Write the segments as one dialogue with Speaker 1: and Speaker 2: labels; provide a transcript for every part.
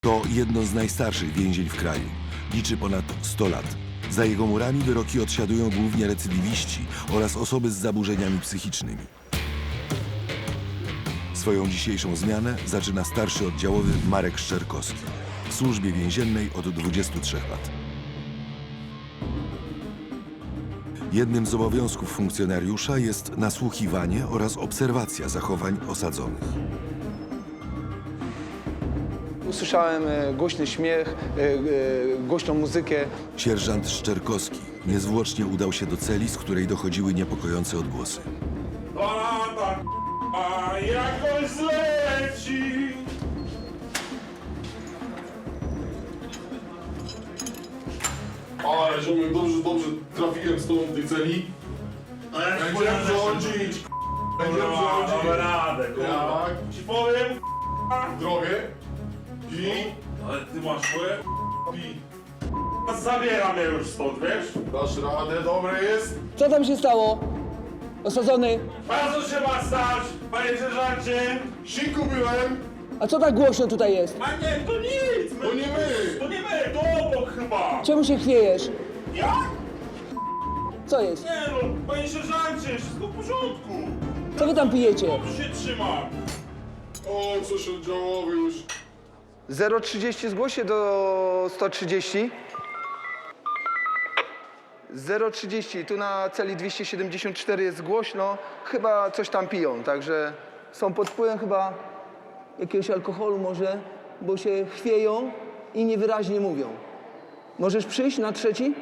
Speaker 1: To jedno z najstarszych więzień w kraju. Liczy ponad 100 lat. Za jego murami wyroki odsiadują głównie recydywiści oraz osoby z zaburzeniami psychicznymi. Swoją dzisiejszą zmianę zaczyna starszy oddziałowy Marek Szczerkowski. W służbie więziennej od 23 lat. Jednym z obowiązków funkcjonariusza jest nasłuchiwanie oraz obserwacja zachowań osadzonych.
Speaker 2: Usłyszałem głośny śmiech, głośną muzykę.
Speaker 1: Sierżant Szczerkowski niezwłocznie udał się do celi, z której dochodziły niepokojące odgłosy.
Speaker 3: Balada, a jakoś zleci.
Speaker 4: Ale ziomek, dobrze trafiłem z tobą w tej celi. Będziemy rządzić, będziemy rządzić.
Speaker 3: Damy radę, kurwa.
Speaker 4: Tak,
Speaker 3: Ci powiem,
Speaker 4: drogę. I
Speaker 3: ale ty masz swoje i zabieram je już stąd, wiesz?
Speaker 4: dasz radę, dobre jest.
Speaker 2: Co tam się stało? Osadzony.
Speaker 3: Bardzo się ma stać, panie sierżancie.
Speaker 4: Siku byłem,
Speaker 2: A co tak głośno tutaj jest?
Speaker 3: A nie, to nic.
Speaker 4: to nie my.
Speaker 3: To nie my, to obok chyba.
Speaker 2: Czemu się chwiejesz?
Speaker 3: Jak?
Speaker 2: Co jest?
Speaker 3: Nie no, panie sierżancie, wszystko w porządku.
Speaker 2: Co wy tam pijecie?
Speaker 3: Dobrze się trzyma.
Speaker 4: O, coś oddziałowy już.
Speaker 2: 030 zgłoś się do 130. 030, tu na celi 274 jest głośno. Chyba coś tam piją, także są pod wpływem chyba jakiegoś alkoholu może, bo się chwieją i niewyraźnie mówią. Możesz przyjść na trzeci?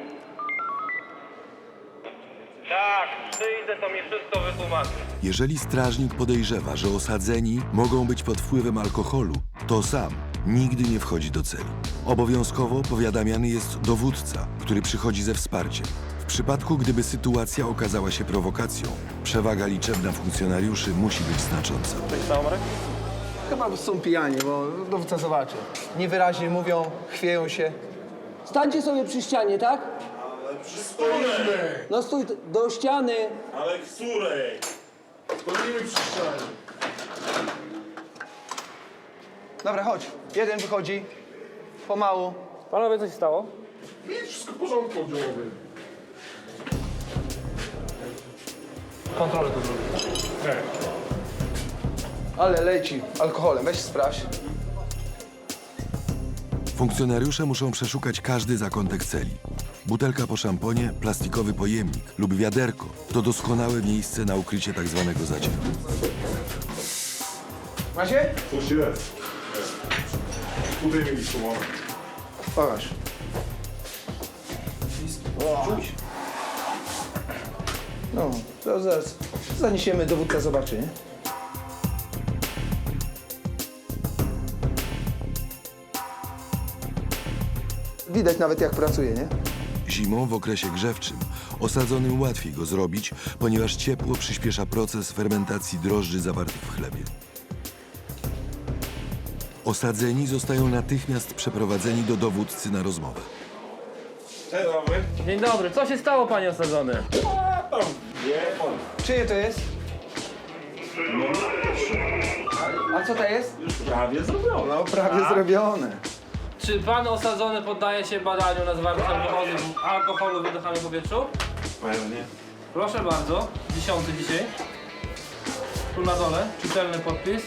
Speaker 5: Tak, przyjdę, to mi wszystko wytłumaczy.
Speaker 1: Jeżeli strażnik podejrzewa, że osadzeni mogą być pod wpływem alkoholu, to sam nigdy nie wchodzi do celi. Obowiązkowo powiadamiany jest dowódca, który przychodzi ze wsparciem. W przypadku, gdyby sytuacja okazała się prowokacją, przewaga liczebna funkcjonariuszy musi być znacząca.
Speaker 2: Chyba są pijani, bo dowódca zobaczy. Niewyraźnie mówią, chwieją się. Stańcie sobie przy ścianie, tak?
Speaker 4: Stoimy,
Speaker 2: No stój do ściany.
Speaker 3: Ale której?
Speaker 4: stoimy przy ścianie.
Speaker 2: Dobra, chodź. Jeden wychodzi. Pomału.
Speaker 5: Panowie, co się stało?
Speaker 4: Nic, wszystko w porządku oddziałowy.
Speaker 5: Kontrolę tu zrobię.
Speaker 2: Ale leci alkoholem. Weź sprawdź.
Speaker 1: Funkcjonariusze muszą przeszukać każdy zakątek celi. Butelka po szamponie, plastikowy pojemnik lub wiaderko to doskonałe miejsce na ukrycie tak zwanego zacięcia.
Speaker 2: Macie?
Speaker 4: Coś jest. Tutaj mieli schowane.
Speaker 2: Pokaż. No, to zaraz zaniesiemy, dowódca zobaczy, nie? Widać nawet jak pracuje, nie?
Speaker 1: Zimą w okresie grzewczym osadzonym łatwiej go zrobić, ponieważ ciepło przyspiesza proces fermentacji drożdży zawartych w chlebie. Osadzeni zostają natychmiast przeprowadzeni do dowódcy na rozmowę.
Speaker 3: Dzień dobry.
Speaker 5: Dzień dobry, co się stało, panie osadzony?
Speaker 2: Czyje to jest? A co to jest?
Speaker 3: Prawie zrobione.
Speaker 2: No, prawie zrobione.
Speaker 5: Czy pan osadzony poddaje się badaniu na zawartość alkoholu w wydychanym powietrzu?
Speaker 3: Pewnie.
Speaker 5: Proszę bardzo, 10 dzisiaj. Tu na dole, czytelny podpis.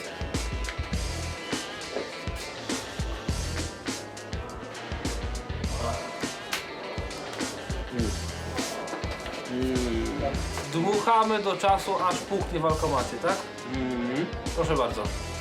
Speaker 5: Dmuchamy do czasu, aż puchnie w alkomacie, tak? Proszę bardzo.